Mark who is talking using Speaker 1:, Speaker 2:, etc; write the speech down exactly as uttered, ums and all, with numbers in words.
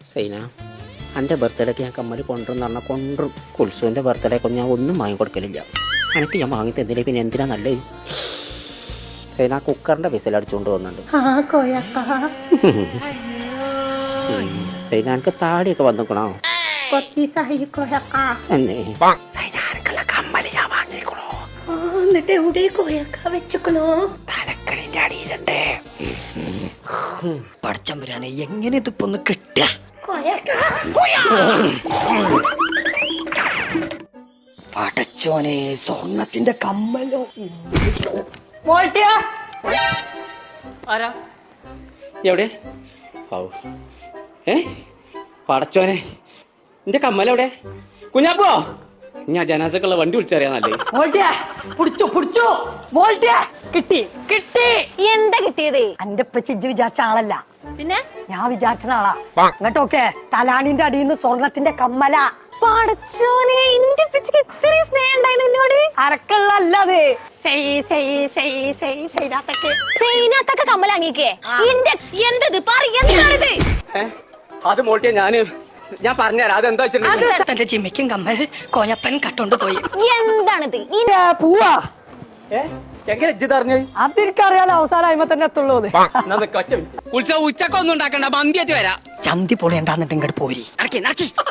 Speaker 1: സൈന, എൻ്റെ ബർത്ത്ഡേക്ക് ഞാൻ കമ്മൽ കൊണ്ടുവന്ന് പറഞ്ഞാൽ കൊണ്ടും കുൽസുവിൻ്റെ ബർത്ത്ഡേക്ക് ഞാൻ ഒന്നും വാങ്ങി കൊടുക്കലില്ല. എനിക്ക് ഞാൻ വാങ്ങി തന്നില്ല, പിന്നെ എന്തിനാ നല്ലത്? സൈന കുക്കറിൻ്റെ വിസിലടിച്ചുകൊണ്ട് പോകുന്നുണ്ട്. സൈന എനിക്ക് താടിയൊക്കെ വന്നിക്കണോ? കമ്മല് ഞാൻ വാങ്ങിക്കണോ?
Speaker 2: എന്നിട്ട് എവിടെ കോയക്ക വെച്ചക്കണോ?
Speaker 1: തലക്കണിന്റെ അടിയിലുണ്ട്.
Speaker 3: പടച്ചമ്പുരാനെ, എങ്ങനെ ഇതിപ്പോ ഒന്ന് കിട്ടുക? പടച്ചോനെ, സ്വർണത്തിന്റെ കമ്മലോ.
Speaker 1: ആരാ എവിടെ? ഏ പടച്ചോനെ, എന്റെ കമ്മലെവിടെ? കുഞ്ഞാപ്പോ, ഞാൻ ജനാസക്കുള്ള വണ്ടി വിളിച്ചറിയാന്നല്ലേ.
Speaker 3: കിട്ടി കിട്ടി.
Speaker 2: എന്താ കിട്ടിയത്?
Speaker 3: എന്റെ പച്ചിജ് വിചാരിച്ച ആളല്ല,
Speaker 2: പിന്നെ
Speaker 3: ഞാൻ വിചാരിച്ച ആളാ. അങ്ങോട്ടൊക്കെ തലാണിന്റെ അടിയിൽ നിന്ന് സ്വർണത്തിന്റെ കമ്മല.
Speaker 2: പടച്ചോനെ, എന്റെ പിച്ചക്ക് ഇത്രയും സ്നേഹം ഉണ്ടായിരുന്നു എന്നോട്.
Speaker 3: അരക്കള്ളല്ലേ
Speaker 2: സൈനാത്തൊക്കെ കമ്മലാങ്ങിക്കേ. എന്റെ എന്തത് പറയെന്താണിത്?
Speaker 1: അത് മോട്ടിയ ഞാന് ഞാൻ പറഞ്ഞുതരാം. അതെന്താ വെച്ചിട്ടുണ്ടെങ്കിൽ
Speaker 3: തന്റെ ചിമ്മിക്കും കമ്മൽ കോയപ്പൻ കട്ടോണ്ട് പോയി.
Speaker 2: എന്താണിത്?
Speaker 3: പൂവാ
Speaker 1: എങ്ങനെ ഇജ്ജ് പറഞ്ഞത്?
Speaker 3: അതെനിക്കറിയാലോ, അവസാനം അയിമ തന്നെ എത്തുള്ളൂ.
Speaker 1: ഉത്സവം ഉച്ചക്കൊന്നും ഉണ്ടാക്കണ്ട, മന്തിയായിട്ട് വരാം.
Speaker 3: ചന്തി പൊളിയണ്ടാന്നിട്ട് ഇങ്ങോട്ട് പോരി.
Speaker 1: നടക്കി നടക്കി